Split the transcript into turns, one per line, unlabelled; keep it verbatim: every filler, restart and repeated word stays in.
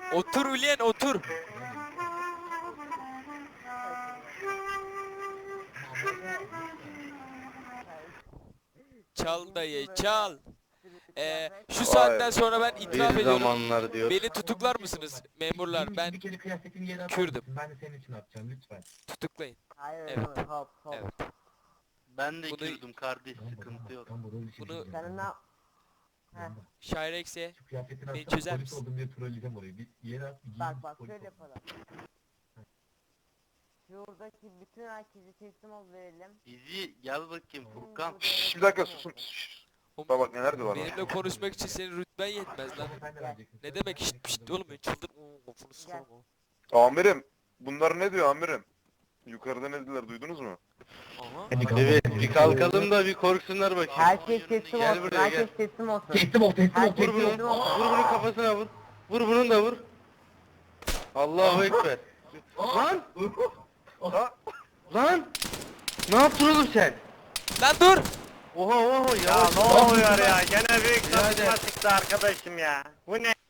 Otur ulen otur. Çal dayı çal. Ee, şu saatten sonra ben itiraf
Bir
ediyorum.
zamanlar diyor.
Beni tutuklar mısınız memurlar? Ben
Bir kere kıyafetini yere atar
Kürdüm.
mısın? Ben de senin için atacağım lütfen.
tutuklayın.
Hayır
Evet.
evet. Hop hop.
Evet.
Ben de
Bunu-
Kürdüm kardeş,
Lan bu,
sıkıntı yok.
lan bu rol işi
Bunu-
değil
Sen
ya.
ne? Heh.
Lan bak,
Şairex'e
şu kıyafetini
beni
atsana,
çözer
polis
misin?
oldum diye trolleyeceğim orayı. Bir yere at, bir giyin,
Bak bak
polis
şöyle
ol.
yapalım. Şuradaki bütün herkesi teslim ol verelim.
İzi gel bakayım Furkan.
Şşş bir dakika susun. Şşş. Bak bak neler diyorlar bana.
benimle konuşmak için senin rütben yetmez lan.
Ama sen de vereceksin.
Ne
Sen
demek
de
şşt
vereceksin.
pşt oğlum ben çıldır. Oo, Kafını sıkarım o.
Amirim. Bunlar ne diyor amirim? Yukarıda ne dediler duydunuz mu?
Aha.
Evet bir kalkalım da bir korksunlar bakayım.
Herkes teslim
Gel
olsun.
buraya,
Herkes
gel.
teslim olsun.
Teslim ol, teslim ol,
Herkes
Vur
teslim ol.
bunu, vur bunun kafasına vur. Vur bunun da vur. Allahu Ekber. Lan!
Ha?
Lan! Ne yaptın oğlum sen?
Lan dur.
Oha oha
Ya
yavaş.
ne oluyor ya? Gene büyük
Birader.
tartışma çıktı arkadaşım ya. Bu ne?